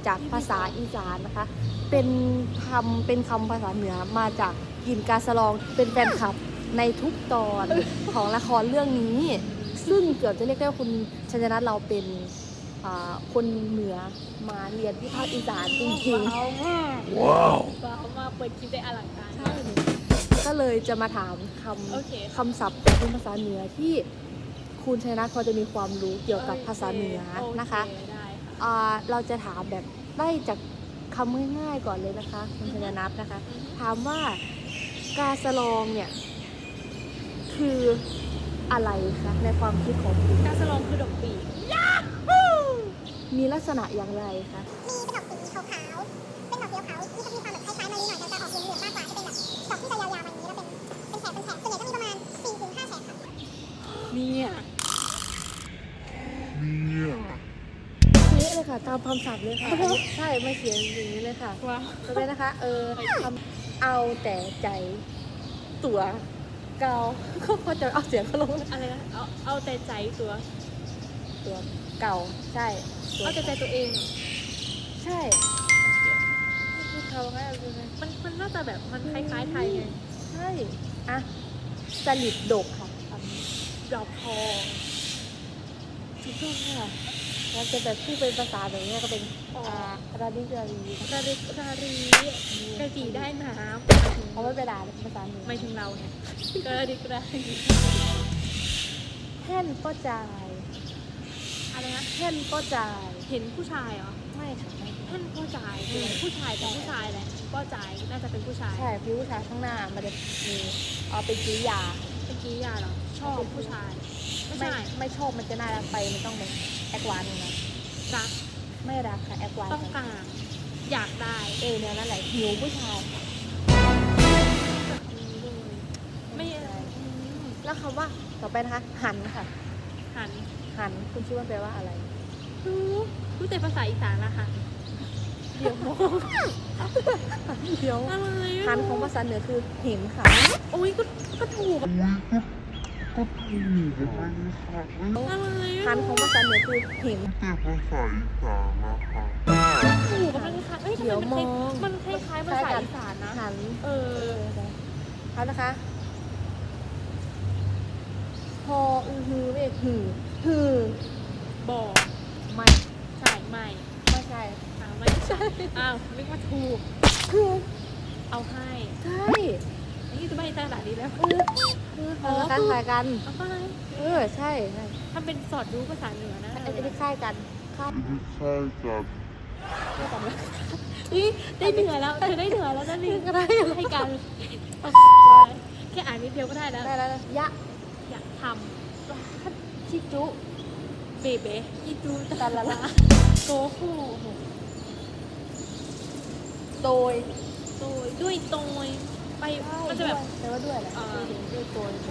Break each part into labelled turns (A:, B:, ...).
A: จากภาษาอีสานนะคะเป็นคำภาษาเหนือมาจากกินกาสะลองเป็นแฟนคลับในทุกตอนของละครเรื่องนี้ซึ่งเกือบจะเรียกได้ว่าคุณชัญนัทเราเป็นคนเหนือมาเรียนที่ภาคอีสานจริงๆ
B: ว้าว
C: มาเปิดคลิปได้อลังการ
A: ก็เลยจะมาถามคำศัพท์เป็นภาษาเหนือที่คุณชัยนัทพอจะมีความรู้เกี่ยวกับภาษาเหนือนะคะเราจะถามแบบไล่จากคำง่ายๆก่อนเลยนะคะคุณชัยนัทนะคะถามว่ากาสะลองเนี่ยคืออะไรคะในความคิดของคุณ
C: กาสะลองคือดอกปีก
A: มีลักษณะอย่างไรคะ
D: มีเป็นดอกสีขาวๆเป็นดอกสีขาวๆมันจะมีความแบบคล้ายๆมะลิหน่อยแต่จะออกเหลืองๆมากกว่าจะเป็นแบบดอกที่จะยาวๆมาอย่างนี้แล้วเป็นแฉกส่วนใหญ่ก็มีประมาณ 4-5 แฉกค่ะ
C: เนี่ย
A: เละเลยค่ะตามคำศัพท์เลยค่ะใช่ไม่เขียนอย่างนี้เลยค่ะ
C: ว้าว
A: จะเป็นนะคะคำเอาแต่ใจตัวเกาเขาพอจะเอาเสียงเขาลง
C: อะไรนะเอาแต่ใจตัว
A: ตัวเก่าใช่ตัว
C: เอาแต่ใจตัวเองเหรอ
A: ใช่คือเขาแค่
C: มันน่าจะแบบมันคล้ายๆไทยไง
A: ใช่อะสลิดดกค่ะคำนี้
C: ดอกทอง
A: ถูกต้องค่ะแล้วจะแบบพูดเป็นภาษาแบบนี้ก็เป็นราดิรารี
C: รารีกระดีได้น้
A: เขาไม่ไปด่าเป็นภาษาเหนือ
C: ำไม่ถึงเราเนี่ยกระดี
A: แท่นก็จ่าย
C: อะไรนะ
A: แท่นก็จ่าย
C: เห็นผู้ชายเหรอ
A: ไม่ค่ะไม่
C: ท่านผู้ชายคือผู้ชายเป็นผู้ชายแหละก็จ่ายน่าจะเป็นผู้ชาย
A: ใช่พี่ผู้ชายข้างหน้ามันจะมีเป็นกริยา
C: เมื่อกี้ยาเหรอชอบผู้ชาย ไม่ใช่
A: ไม่ชอบมันจะน่ารักไปมันต้องเป็นแอควานนะ
C: รัก
A: ไม่รักค่ะแอควาน
C: ต้องการอยากได้
A: เนี่ยนั่นแหละหิวผู้ชาย
C: แบบนี้เลยไม่อะไร
A: แล้วคำว่าต่อไปนะคะหันค่ะ
C: หัน
A: หันคุณคิดว่าแปลว่าอะไร
C: รู้แต่ภาษาอีสานละค่ะ
A: เดี๋ยวเดี๋ยว
C: อะไร
A: หันของภาษาเหนือคือเห็นค่ะ
C: โอ้ยก็ถูก
B: ก็ถูกนะคะ
C: อะไร
A: หันของภาษาเหนือคือเห็น
B: แต่ภาษาอีสานนะคะ
C: ถูกมันคล้ายเอ้ยทำ
A: เดี๋ยว
C: ไม
A: มอง
C: มันคล้ายๆภาษาอีสานนะ
A: หัน
C: เออ
A: เอานะคะพอฮือเรียกหือฮือ
C: บอก
A: ไม่
C: ใช่ไม่
A: ไม่ใช่
C: ไม่ใช่อ้าวนึกว่าถูก
A: คือ
C: เอาให้
A: ใช่
C: นี่จะไม่ให้ตลาดนี้แล้ว
A: คือเอาละกันคล้ายกัน
C: เอาไป
A: ใช่ใช่
C: ทำเป็นสอดรู้ภาษาเหนือนะ
A: ไอ้ที่คล้ายกันคล้าย
B: ไม่ใช่กับ
A: กันแล้ว
C: อีได้เหนือแล้วเธอได้เหนือแล้วนั่นนี่
A: ก็ได้
C: ให้กันเอาแค่อ่านนิดเดียวก็ได้แล้ว
A: ได้แล้วยะ
C: อยากท
A: ชิจุ
C: ำเบเบ้อีจู
A: ตันละละ
C: โกโห
A: โดย
C: โดยด้วยโตยไปมันจะแบบ
A: แปลว่าด้วยแหละ
C: อ่า
A: ด้วยโดย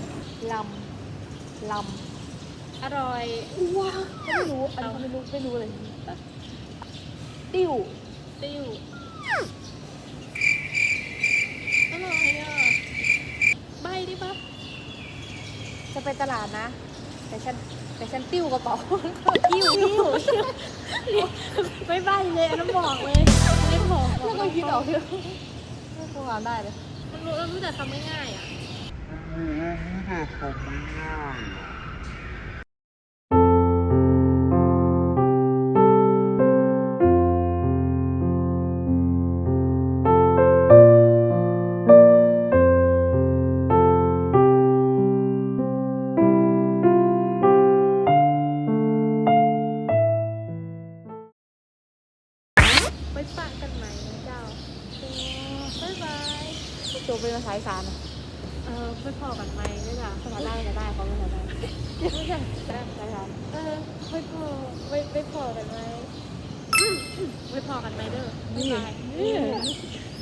A: ลำ
C: อร่อย
A: ว้าไม่รู้อันนี้ไม่รู้เลยติ้ว
C: ติ้วอร่อยอ่ะใบดิปะ
A: จะไปตลาดนะแต่ฉันติ้วกระเป๋า
C: ติ้วไม่ใบเลยอันนั้นบอกเลยไม่บอก
A: แล้วก็คิดออกที่ไม่คงอ่านได้เลย
C: เรารู้แต่ทำง่ายๆอ่ะ
B: รู้แต่คำไม่ง่ายอะ
C: ไปปะกันไหมนะเจ้าบ๊ายบาย
A: จบเป็นภาษาอีสานอะ
C: ไปพอกันไหมด้วยจ้ะ
A: ภาษาไล่ก็ได้เขาไม่ได้ไม่ใช่ได้ภาษาอีสาน
C: ไปพอกันไหมไปพอกันไหมเด้อบ๊ายบาย